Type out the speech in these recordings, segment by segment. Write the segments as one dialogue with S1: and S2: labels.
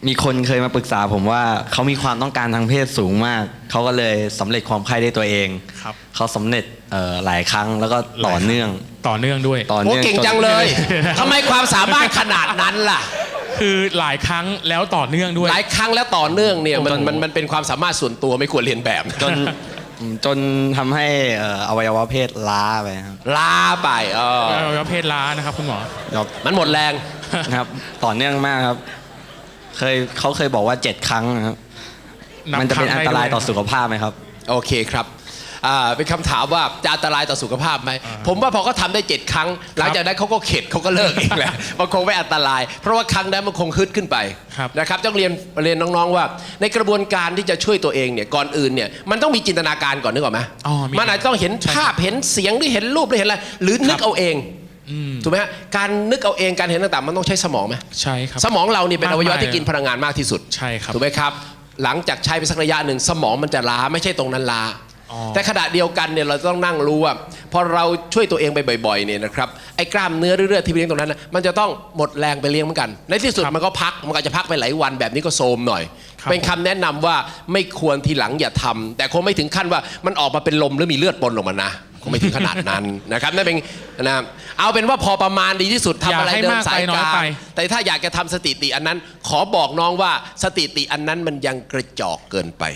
S1: มีคนเคยมาปรึกษาผมว่าเขามีความต้องการทางเพศสูงมากเขาก็เลยสำเร็จความใคร่ได้ตัวเอง
S2: ครับ
S1: เขาสำเร็จหลายครั้งแล้วก็ต่อเนื่อง
S2: ด้วย
S1: ต่อ
S3: โอ้
S1: เนื่อง
S3: เก่งจังเลยทำไมความสามารถขนาดนั้นล่ะ
S2: คือหลายครั้งแล้วต่อเนื่องด้วย
S3: หลายครั้งแล้วต่อเนื่องเนี่ยมันเป็นความสามารถส่วนตัวไม่ควรเรียนแบบ
S1: จนทำให้อวัยวะเพศล้าไปครับ
S3: ล้าไป
S2: อวัยวะเพศล้านะครับคุณหมอ
S3: มันหมดแรง
S1: ครับต่อเนื่องมากครับเขาเคยบอกว่า7 ครั้งนะครับมันจะเป็นอันตรายต่อสุขภาพไหมครับ
S3: โอเคครับเป็นคำถามว่าจะอันตรายต่อสุขภาพไหมผมว่าพอเขาทำได้7 ครั้งหลังจากนั้นเขาก็เข็ดเขาก็เลิกเองแหละมันคงไม่อันตรายเพราะว่าครั้งนั้นมันคงฮึดขึ้นไปนะครับต้องเรียนน้องๆว่าในกระบวนการที่จะช่วยตัวเองเนี่ยก่อนอื่นเนี่ยมันต้องมีจินตนาการก่อนนึกออกไหมมันอาจจะต้องเห็นภาพเห็นเสียงหรือเห็นรูปหรือเห็นอะไรหรือนึกเอาเองถูกไหมฮะการนึกเอาเองการเห็นต่างๆมันต้องใช้สมองไหม
S2: ใช่ครับ
S3: สมองเรานี่เป็นอวัยวะที่กินพลังงานมากที่สุด
S2: ใช่ครับ
S3: ถูกไหมครับหลังจากใช้ไปสักระยะหนึ่งสมองมันจะล้าไม่ใช่ตรงนั้นล้าแต่ขณะเดียวกันเนี่ยเราต้องนั่งรู้ว่าพอเราช่วยตัวเองไปบ่อยๆเนี่ยนะครับไอ้กล้ามเนื้อเรื่อยๆที่ไปเลี้ยงตรงนั้นมันจะต้องหมดแรงไปเลี้ยงเหมือนกันในที่สุดมันก็พักมันก็จะพักไปหลายวันแบบนี้ก็โทรมหน่อยเป็นคำแนะนำว่าไม่ควรทีหลังอย่าทำแต่คงไม่ถึงขั้นว่ามันออกมาเป็นลมหรือมีเลือดปนออกมานะคงไม่ถึงขนาดนั้นนะครับนั่นเป็นนะเอาเป็นว่าพอประมาณดีที่สุดทำอะไรเดินสายกลางแต่ถ้าอยากจะทำสถิติอันนั้นขอบอกน้องว่าสถิติอันนั้นมันยังกระจอกเกินไป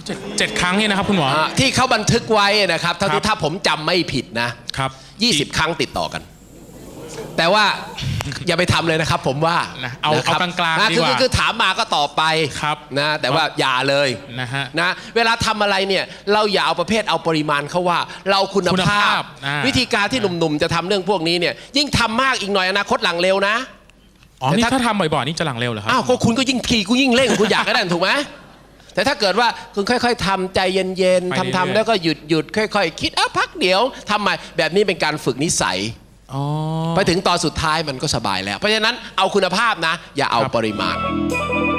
S2: 7 ครั้งเนี่ยนะครับคุณหมอ
S3: ที่เขาบันทึกไว้นะครับถ้าผมจำไม่ผิดนะครับ20 ครั้งติดต่อกันแต่ว่าอย่าไปทำเลยนะครับผมว่า
S2: เอากลางๆดีกว่า
S3: คือถามมาก็ตอบไปนะแต่ว่าอย่าเลยนะเวลาทำอะไรเนี่ยเราอย่าเอาประเภทเอาปริมาณเขาว่าเราคุณภาพวิธีการที่หนุ่มๆจะทำเรื่องพวกนี้เนี่ยยิ่งทำมากอีกหน่อยอนาคตหลังเร็วนะ
S2: นี่ถ้าทำบ่อยๆนี่จะหลังเร็วเหรอครับ
S3: อ้าวก็คุณก็ยิ่งขี่คุณยิ่งเร่งคุณอยากได้ถูกไหมแต่ถ้าเกิดว่าคุณค่อยๆทำใจเย็นๆทำแล้วก็หยุดค่อยๆคิดพักเดี๋ยวทำใหม่แบบนี้เป็นการฝึกนิสัยไปถึงตอนสุดท้ายมันก็สบายแล้วเพราะฉะนั้นเอาคุณภาพนะอย่าเอาปริมาณ